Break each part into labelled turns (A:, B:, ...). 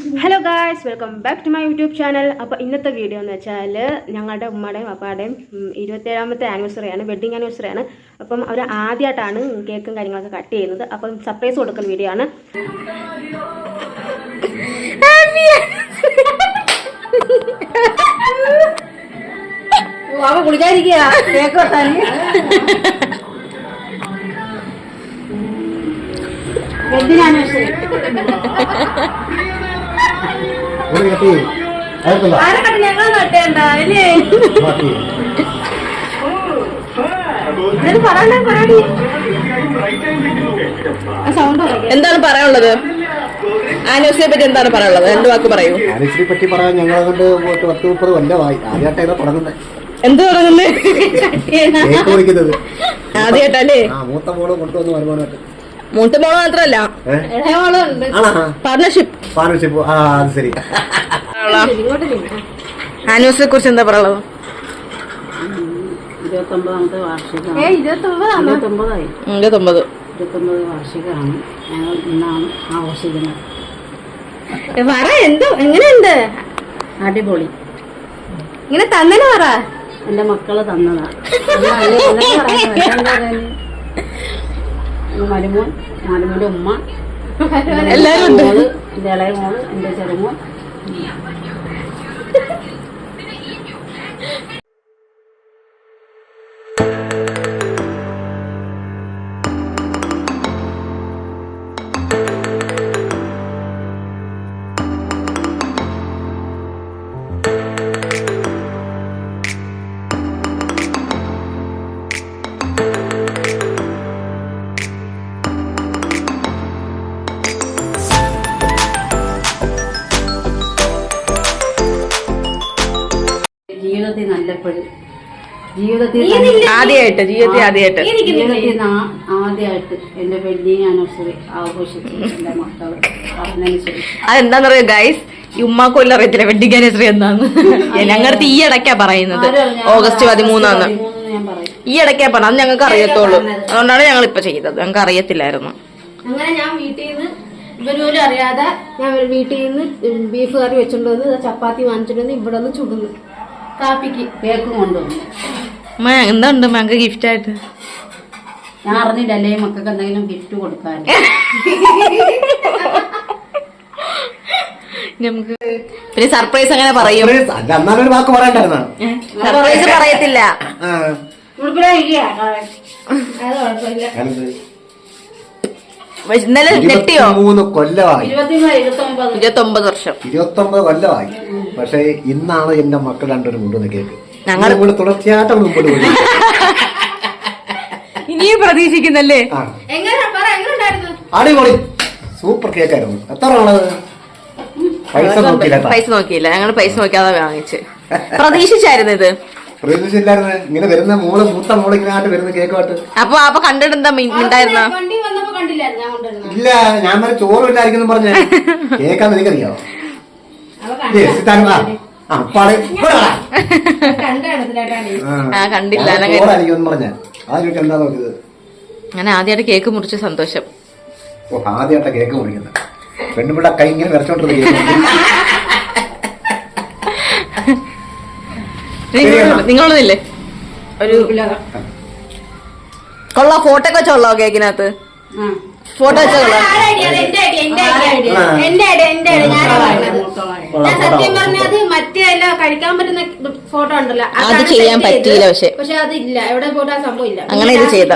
A: Hello guys, welcome back to my YouTube channel. അപ്പോൾ ഇന്നത്തെ video എന്ന് വെച്ചാൽ ഞങ്ങളുടെ ഉമ്മയുടെയും അപ്പാടെയും 27ാമത്തെ ആനിവേഴ്സറിയാണ്, വെഡ്ഡിങ് ആനിവേഴ്സറിയാണ്. അപ്പം അവർ ആദ്യമായിട്ടാണ് കേക്കും കാര്യങ്ങളൊക്കെ കട്ട് ചെയ്യുന്നത്. അപ്പം സർപ്രൈസ് കൊടുക്കുന്ന വീഡിയോ ആണ്. കുളിക്കാതിരിക്കുക കേക്ക് വെട്ടാൻ. വെഡ്ഡിങ് ആനിവേഴ്സറി ഞങ്ങൾ നട്ടേണ്ട അല്ലേ?
B: എന്താണ് പറയാനുള്ളത്? ആനിവേഴ്സറിയെ പറ്റി എന്താണ് പറയാനുള്ളത്? 2 വാക്ക് പറയൂ.
C: ആനിവേഴ്സറിയെ പറ്റി പറയാൻ ഞങ്ങളെ കൊണ്ട് 10-30 കൊല്ലമായി. ആദ്യമായിട്ടാണ് തുടങ്ങുന്നത്.
B: എന്ത് തുടങ്ങുന്നത്?
C: ആദ്യമായിട്ടല്ലേ? മൂത്ത മോള് കൊണ്ടുവന്ന് വരുമാനമായിട്ട്.
B: മൂത്ത മോള് മാത്രല്ല, പാർട്ണർഷിപ്പ്.
C: അത് ശരി.
B: ആനിവേഴ്സറിയെ കുറിച്ച് എന്താ പറയുള്ളത്?
D: 29ാമത്തെ വാർഷികമാണ്.
B: 29
D: വാർഷികമാണ്. ഞങ്ങൾ ഇന്നാണ് ആഘോഷിക്കുന്നത്.
A: എങ്ങനെയുണ്ട്?
D: അടിപൊളി.
A: ഇങ്ങനെ തന്നെ പറ.
D: എന്റെ മക്കള് തന്നതാ. മരുമോന്റെ ഉമ്മ,
B: എല്ലാരും
D: മോള്, എന്റെ ഇളയ മോള്, എന്റെ ചെറുമോൻ. ജീവിതത്തിൽ
B: ആദ്യമായിട്ട്
D: എന്റെ വെഡ്ഡിങ് ആനിവേഴ്സറി ആഘോഷിച്ചു എന്റെ മക്കള് പറഞ്ഞതിന് ശേഷം.
B: അതെന്താന്നറിയോ ഗൈസ്, ഈ ഉമ്മാക്കൊല്ലം അറിയത്തില്ല വെഡ്ഡിങ് ആനിവേഴ്സറി എന്താന്ന്. ഞങ്ങളുടെ ഈ ഇടയ്ക്കാ പറയുന്നത്, ഓഗസ്റ്റ് 13
D: ഞാൻ പറയും.
B: ഈ ഇടയ്ക്കാ പറഞ്ഞത്. അത് ഞങ്ങൾക്ക് അറിയത്തുള്ളൂ, അതുകൊണ്ടാണ് ഞങ്ങൾ ഇപ്പൊ ചെയ്തത്. ഞങ്ങൾക്ക് അറിയത്തില്ലായിരുന്നു.
A: അങ്ങനെ ഞാൻ വീട്ടിൽ നിന്ന് ഇവരോലും അറിയാതെ ഞാൻ വീട്ടിൽ നിന്ന് ബീഫ് കറി വെച്ചോണ്ട് വന്ന് ചപ്പാത്തി വാങ്ങിച്ചോണ്ട് വന്ന് ഇവിടെ ഒന്ന് ചുടുന്നു. കാപ്പിക്ക്
D: കേക്ക് കൊണ്ടുവന്നു.
B: എന്തുണ്ട് ഞങ്ങൾക്ക് ഗിഫ്റ്റ് ആയിട്ട്?
D: ഞാൻ അറിഞ്ഞില്ലല്ലേ മക്കൾക്ക് എന്തെങ്കിലും ഗിഫ്റ്റ് കൊടുക്കാൻ.
B: നമുക്ക് പിന്നെ സർപ്രൈസ് അങ്ങനെ പറയും.
C: ഒരു വാക്ക് പറയണ്ടായിരുന്ന
B: സർപ്രൈസ് പറയത്തില്ല. ഇന്നലെ നെട്ടിയോ?
C: 3 കൊല്ലമായി.
B: 29 വർഷം.
C: 29 കൊല്ലമായി. പക്ഷെ ഇന്നാണ് എന്റെ മക്കൾ രണ്ടുപേരും കൊണ്ടുവന്ന കേക്ക്.
B: ഞങ്ങൾ
C: കൂടെ തുടർച്ചയായിട്ട് മുമ്പോട്ട് പോയി.
B: ഇനിയും പ്രതീക്ഷിക്കുന്നല്ലേ?
C: അടിപൊളി സൂപ്പർ കേക്കായിരുന്നു. എത്ര ആണത്? പൈസ
B: നോക്കിയില്ല. ഞങ്ങൾ പൈസ നോക്കിയാതെ വാങ്ങിച്ച്. പ്രതീക്ഷിച്ചായിരുന്നു ഇത്?
C: പ്രതീക്ഷിച്ചില്ലായിരുന്നു. ഇങ്ങനെ വരുന്ന മൂത്ത മോള് ഇങ്ങനെ ആയിട്ട് വരുന്ന കേക്കുമായിട്ട്.
B: അപ്പൊ കണ്ടിട്ട് എന്താ ഉണ്ടായിരുന്ന?
C: ഇല്ല, ഞാൻ പറഞ്ഞ ചോറും ഇല്ലായിരിക്കും പറഞ്ഞ കേക്കാന്ന് എനിക്കറിയാവോ?
B: കണ്ടില്ല.
C: എന്താ നോക്കിയത്?
B: അങ്ങനെ ആദ്യമായിട്ട് കേക്ക് മുറിച്ച സന്തോഷം.
C: ആദ്യമായിട്ടാ കേക്ക് മുറിക്കുന്നത്. പെണ്ണുപിള്ള കൈ ഇങ്ങനെ വരച്ചോണ്ടിരുന്നു.
B: നിങ്ങളൊന്നില്ലേ ഒരു കൊള്ളാ ഫോട്ടോ ഒക്കെ വെച്ചോളോ കേക്കിനകത്ത്? ഫോട്ടോ വെച്ചോളാം.
A: സത്യം പറഞ്ഞത് മറ്റേ കഴിക്കാൻ പറ്റുന്ന ഫോട്ടോ ഉണ്ടല്ലോ,
B: അത് ചെയ്യാൻ പറ്റിയില്ല.
A: പക്ഷെ അതില്ല, എവിടെ പോയിട്ട് ആ സംഭവം ഇല്ല.
B: അങ്ങനെ ഇത് ചെയ്ത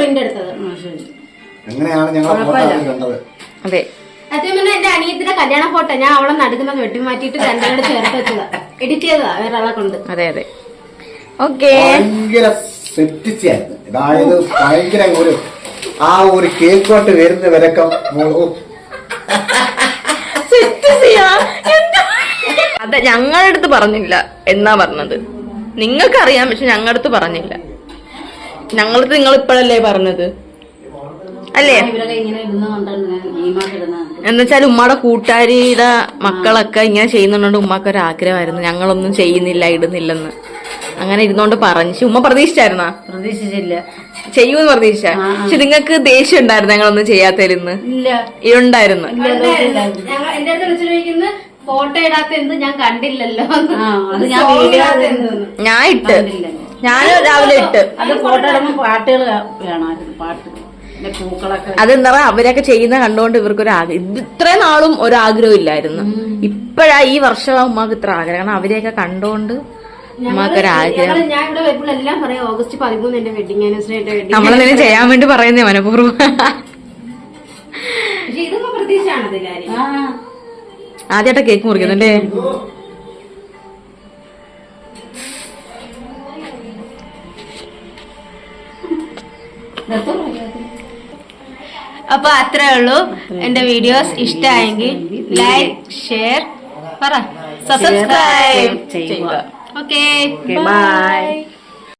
B: അതെ.
A: സത്യം പറഞ്ഞാൽ എന്റെ അനിയത്തിന്റെ കല്യാണ ഫോട്ടോ ഞാൻ അവളെ നടുക്കുന്നത് വെട്ടി മാറ്റിയിട്ട് രണ്ടാളുടെ ചേർത്ത് വെച്ചതാ, എഡിറ്റ് ചെയ്തതാ വേറെ ആളെ കൊണ്ട്.
B: അതെ അതെ. ഓക്കെ.
C: ഭയങ്കര സെറ്റിച്ചായിരുന്നു. അതായത് ഭയങ്കര ഒരു കേക്കോട്ട് വരുന്ന വിലക്കം.
B: അതെ, ഞങ്ങളുടെ അടുത്ത് പറഞ്ഞില്ല എന്നാ പറഞ്ഞത്. നിങ്ങൾക്കറിയാം, പക്ഷെ ഞങ്ങളുടെ അടുത്ത് പറഞ്ഞില്ല. ഞങ്ങളടുത്ത് നിങ്ങൾ ഇപ്പോഴല്ലേ പറഞ്ഞത് അല്ലേ? എന്നുവെച്ചാൽ ഉമ്മയുടെ കൂട്ടുകാരിയുടെ മക്കളൊക്കെ ഇങ്ങനെ ചെയ്യുന്നുണ്ട്. ഉമ്മക്ക് ഒരു ആഗ്രഹമായിരുന്നു ഞങ്ങളൊന്നും ചെയ്യുന്നില്ല, ഇടുന്നില്ലെന്ന്. അങ്ങനെ ഇരുന്നോണ്ട് പറഞ്ഞു. ഉമ്മ പ്രതീക്ഷിച്ചായിരുന്നാ?
D: പ്രതീക്ഷിച്ചില്ല.
B: ചെയ്യൂന്ന് പ്രതീക്ഷിച്ച. പക്ഷെ നിങ്ങൾക്ക് ദേഷ്യം ഉണ്ടായിരുന്നു ഞങ്ങളൊന്നും ചെയ്യാത്തതിരുന്ന്? ഉണ്ടായിരുന്നു.
A: എന്റെ അടുത്ത് വിളിച്ചു ചോദിക്കുന്നത് ഫോട്ടോ ഇടാത്ത എന്ത് ഞാൻ കണ്ടില്ലല്ലോ.
D: ആ അത് ഞാൻ
A: Song
D: വീഡിയോ
A: ഇടാത്ത എന്തെന്ന്.
B: ഞാൻ ഇട്ട്,
D: കണ്ടില്ല.
B: ഞാൻ രാവിലെ ഇട്ട്.
D: അത് ഫോട്ടോ ഇടുമ്പോ പാട്ടുകൾ വേണമായിരുന്നു, പാട്ട് പിന്നെ പൂക്കളൊക്കെ.
B: അതെന്താ പറയാ, അവരൊക്കെ ചെയ്യുന്ന കണ്ടുകൊണ്ട് ഇവർക്കൊരു ആഗ്രഹം. ഇത്രയും നാളും ഒരാഗ്രഹം ഇല്ലായിരുന്നു. ഇപ്പഴാ ഈ വർഷം ഉമ്മാക്ക് ഇത്ര ആഗ്രഹം. കാരണം അവരെയൊക്കെ കണ്ടോണ്ട് ഉമ്മാക്കൊരാഗ്രഹം.
A: ഞാൻ ഇവിടെ വരുമ്പോഴെല്ലാം പറയാം ഓഗസ്റ്റ് 13 എന്റെ വെഡിങ് ആനിവേഴ്സറി, എന്റെ വെഡിങ്.
B: നമ്മളെന്തെങ്കിലും ചെയ്യാൻ വേണ്ടി പറയുന്നേ മനഃപൂർവ്വം.
A: പക്ഷെ ഇതൊന്നും പ്രതീക്ഷയാണത് കാര്യം.
B: ആദ്യമായിട്ടാ കേക്ക് മുറിക്കുന്നുണ്ടേ.
A: അപ്പൊ അത്രേ ഉള്ളൂ. എന്റെ വീഡിയോസ് ഇഷ്ടമായെങ്കിൽ ലൈക്ക്, ഷെയർ, സബ്സ്ക്രൈബ്
D: ചെയ്യുക.
A: Okay,
B: by.